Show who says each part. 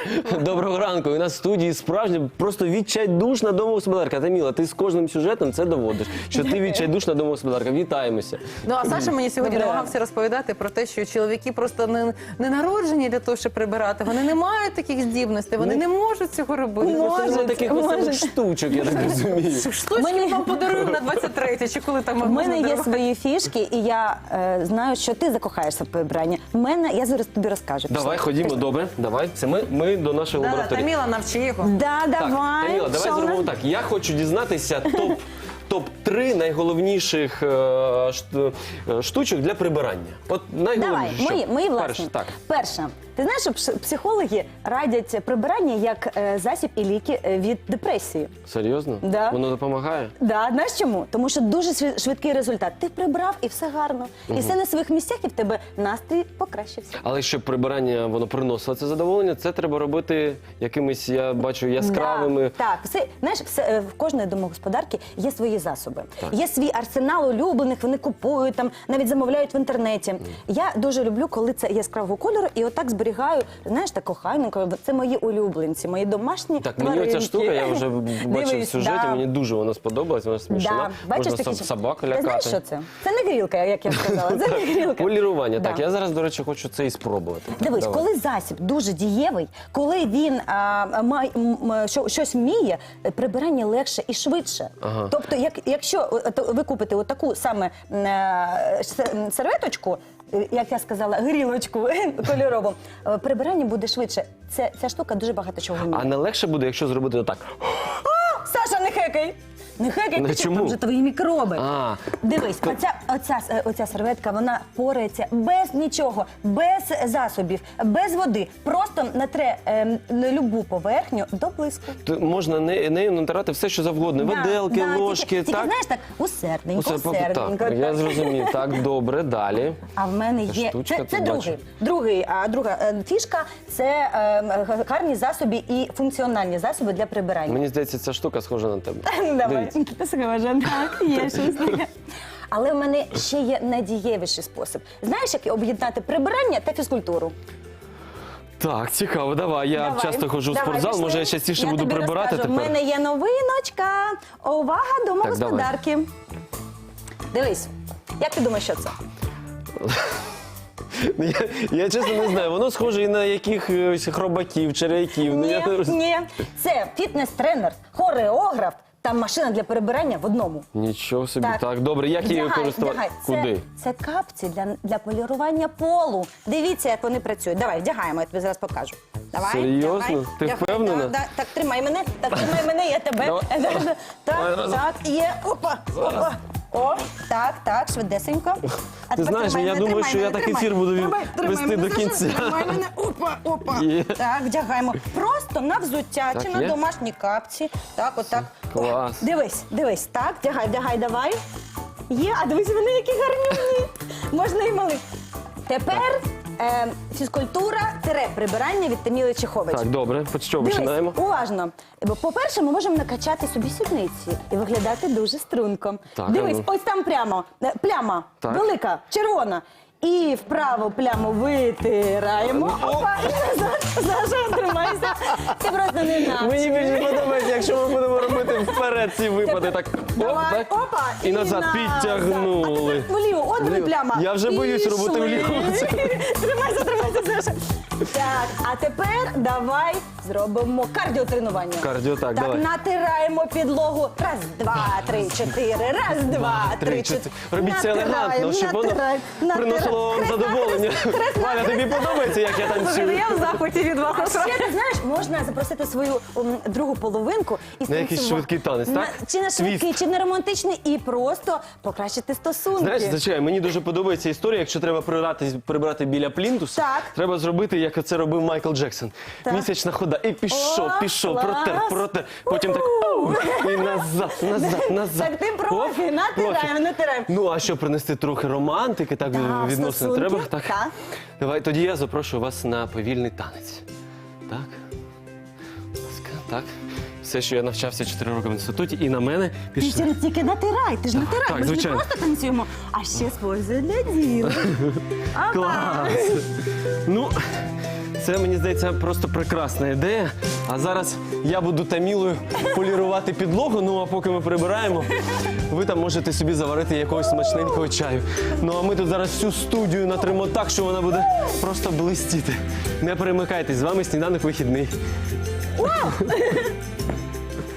Speaker 1: Доброго ранку. У нас в студії справжня, просто відчайдушна домогосподарка. Таміла, ти з кожним сюжетом це доводиш, що ти відчайдушна домогосподарка. Вітаємося.
Speaker 2: Ну, а Саша мені сьогодні намагався розповідати про те, що чоловіки просто не народжені для того, щоб прибирати. Вони не мають таких здібностей, вони не можуть цього робити.
Speaker 1: Просто нема таких веселих штучок, я так розумію.
Speaker 2: Штучки вам подаруємо на 23-те, чи коли там
Speaker 3: У мене є свої фішки, і я знаю, що ти закохаєшся в прибирання. Я зараз тобі розкажу.
Speaker 1: Давай, ходімо, добре, давай. Це ми до нашої лабораторії.
Speaker 2: Таміла, навчи його.
Speaker 3: Да,
Speaker 1: Так,
Speaker 3: давай.
Speaker 1: Таміла, давай
Speaker 3: Що
Speaker 1: зробимо
Speaker 3: у нас?
Speaker 1: так. Я хочу дізнатися топ-3 найголовніших штучок для прибирання. От
Speaker 3: Давай,
Speaker 1: найголовніше.
Speaker 3: мої власні.
Speaker 1: Перше, так.
Speaker 3: Перше. Ти знаєш, що психологи радять прибирання як засіб і ліки від депресії.
Speaker 1: Серйозно?
Speaker 3: Да.
Speaker 1: Воно допомагає?
Speaker 3: Да, знаєш чому? Тому що дуже швидкий результат. Ти прибрав і все гарно. І все на своїх місцях, і в тебе настрій покращився.
Speaker 1: Але щоб прибирання воно приносило це задоволення, це треба робити якимись, я бачу, яскравими.
Speaker 3: Да, так, знаєш, в кожної домогосподарки є свої засоби. Є свій арсенал улюблених, вони купують, там, навіть замовляють в інтернеті. Я дуже люблю, коли це яскравого кольору, і отак зберігаю, знаєш, так кохайненько. Це мої улюбленці, мої домашні
Speaker 1: Так,
Speaker 3: тваринки.
Speaker 1: мені оця штука, я вже бачив в
Speaker 3: Дивись,
Speaker 1: сюжеті,
Speaker 3: да.
Speaker 1: мені дуже вона сподобалась, вона смішна.
Speaker 3: Бачиш,
Speaker 1: Можна
Speaker 3: такі
Speaker 1: собаку
Speaker 3: Ти знаєш,
Speaker 1: лякати.
Speaker 3: що це? Це не грілка, як я сказала, це не грілка.
Speaker 1: Полірування.
Speaker 3: Да.
Speaker 1: Так, я зараз, до речі, хочу це і спробувати.
Speaker 3: Дивись,
Speaker 1: Давай.
Speaker 3: коли засіб дуже дієвий, коли він щось вміє, прибирання легше і швидше.
Speaker 1: Ага.
Speaker 3: Тобто, якщо ви купите отаку саме серветочку, як я сказала, грілочку кольорову, прибирання буде швидше. Ця штука дуже багато чого вміє.
Speaker 1: А не легше буде, якщо зробити отак.
Speaker 3: Саша, не хекай! Не хекай,
Speaker 1: Ну,
Speaker 3: ти
Speaker 1: чому?
Speaker 3: там вже твої мікроби.
Speaker 1: А.
Speaker 3: Дивись, оця серветка, вона порається без нічого, без засобів, без води. Просто натре любу поверхню до блиску.
Speaker 1: Можна нею натирати все, що завгодно. Виделки, ложки,
Speaker 3: тільки,
Speaker 1: так?
Speaker 3: знаєш, так, усердненько.
Speaker 1: Так, я зрозумів. Так, добре, далі.
Speaker 3: А в мене є,
Speaker 1: Штучка,
Speaker 3: це
Speaker 1: тут бачу.
Speaker 3: друга фішка, це гарні засоби і функціональні засоби для прибирання.
Speaker 1: Мені здається, ця штука схожа на тебе.
Speaker 3: Давай,
Speaker 1: Дивіться.
Speaker 3: ти схожа, так, є щось таке. Але в мене ще є найдієвіший спосіб. Знаєш, як об'єднати прибирання та фізкультуру?
Speaker 1: Так, цікаво, давай. Я
Speaker 3: Давай.
Speaker 1: часто ходжу в
Speaker 3: Давай,
Speaker 1: спортзал,
Speaker 3: пішли.
Speaker 1: може я частіше буду
Speaker 3: тобі
Speaker 1: прибирати
Speaker 3: розкажу.
Speaker 1: тепер.
Speaker 3: У мене є новиночка. Увага, домогосподарки. Дивись, як ти думаєш, що це?
Speaker 1: Я чесно не знаю, воно схоже і на якихось хробаків, черв'яків. Ну, я не розумію.
Speaker 3: Ні, це фітнес-тренер, хореограф та машина для перебирання в одному.
Speaker 1: Нічого собі. Так, добре, як її користувати? Куди?
Speaker 3: Це капці для полірування полу. Дивіться, як вони працюють. Давай, вдягаємо, я тобі зараз покажу. Давай,
Speaker 1: Серйозно?
Speaker 3: давай,
Speaker 1: Ти
Speaker 3: вдягай.
Speaker 1: впевнена?
Speaker 3: Так, тримай мене, я тебе.
Speaker 1: Давай.
Speaker 3: Так, є, опа, опа. О, так, швидесенько. А
Speaker 1: Ти
Speaker 3: тепер
Speaker 1: знаєш,
Speaker 3: тримай
Speaker 1: я
Speaker 3: мене,
Speaker 1: думаю,
Speaker 3: тримай
Speaker 1: що я
Speaker 3: мене,
Speaker 1: такий
Speaker 3: тримай.
Speaker 1: ефір буду
Speaker 3: Тримай
Speaker 1: вести
Speaker 3: мене,
Speaker 1: до
Speaker 3: Саша,
Speaker 1: кінця.
Speaker 3: Тримай мене, опа.
Speaker 1: Є.
Speaker 3: Так, вдягаємо. Просто на взуття
Speaker 1: Так,
Speaker 3: чи на
Speaker 1: є?
Speaker 3: домашні капці. Так, отак.
Speaker 1: Клас.
Speaker 3: Дивись, так, вдягай, давай. Є, а дивись, вони які гарнюні. Можна і малих. Тепер фізкультура-прибирання від Таміли Чехович.
Speaker 1: Так, добре, що починаємо?
Speaker 3: Дивись, уважно. Бо, по-перше, ми можемо накачати собі сідниці і виглядати дуже струнко.
Speaker 1: Так,
Speaker 3: Дивись,
Speaker 1: а ну.
Speaker 3: ось там прямо, пляма,
Speaker 1: Так.
Speaker 3: велика, червона. І вправо пляму витираємо. Опа, і назад. Саша, тримайся. Ти просто не навчиш.
Speaker 1: Мені більше подобається, якщо ми будемо робити вперед ці випади. Так, оп,
Speaker 3: Давай,
Speaker 1: так.
Speaker 3: опа,
Speaker 1: І назад підтягнули.
Speaker 3: А тепер вліво, от диви пляма.
Speaker 1: Я вже боюсь робити
Speaker 3: Пішли.
Speaker 1: вліво.
Speaker 3: Тримайся, Саша. Так, а тепер давай зробимо кардіотренування.
Speaker 1: Кардіо, так,
Speaker 3: Так,
Speaker 1: давай.
Speaker 3: натираємо підлогу. Раз, два, три, чотири. Раз, два, три, чотири.
Speaker 1: Робіть це елегантно, щоб воно приносило вам задоволення. Валя, тобі подобається, як я
Speaker 2: Слухайте,
Speaker 1: танцюю?
Speaker 2: я в захваті від вас.
Speaker 3: А ще, ти знаєш, можна запросити свою другу половинку і
Speaker 1: На якийсь
Speaker 3: станцювати.
Speaker 1: швидкий танець, так?
Speaker 3: Чи на швидкий,
Speaker 1: Твіст.
Speaker 3: чи на романтичний, і просто покращити стосунки.
Speaker 1: Знаєш, зачекай, мені дуже подобається історія, якщо треба прибирати біля плінтуса,
Speaker 3: Так.
Speaker 1: треба зробити, як це робив Майкл Джексон.
Speaker 3: Так.
Speaker 1: Місячна хода. І пішов,
Speaker 3: Клас.
Speaker 1: протер. Потім так, і назад.
Speaker 3: Так ти профі,
Speaker 1: Оп,
Speaker 3: натираємо.
Speaker 1: Ну, а що, принести трохи романтики, так,
Speaker 3: Так,
Speaker 1: відносини
Speaker 3: стосунки,
Speaker 1: треба? Так.
Speaker 3: так.
Speaker 1: Давай, тоді я запрошую вас на повільний танець. Так. Будь ласка, так. Все, що я навчався 4 роки в інституті, і на мене
Speaker 3: Ти
Speaker 1: пішли.
Speaker 3: ж тільки натирай, ти ж натирай,
Speaker 1: так,
Speaker 3: ми ж не
Speaker 1: звичайно.
Speaker 3: просто танцюємо, а ще з пользою для діла. Опа.
Speaker 1: Клас! Ну, Це, мені здається, просто прекрасна ідея. А зараз я буду Тамілою полірувати підлогу, ну а поки ми прибираємо, ви там можете собі заварити якогось смачненького чаю. Ну а ми тут зараз всю студію натримо так, що вона буде просто блистіти. Не перемикайтесь, з вами «Сніданок вихідний».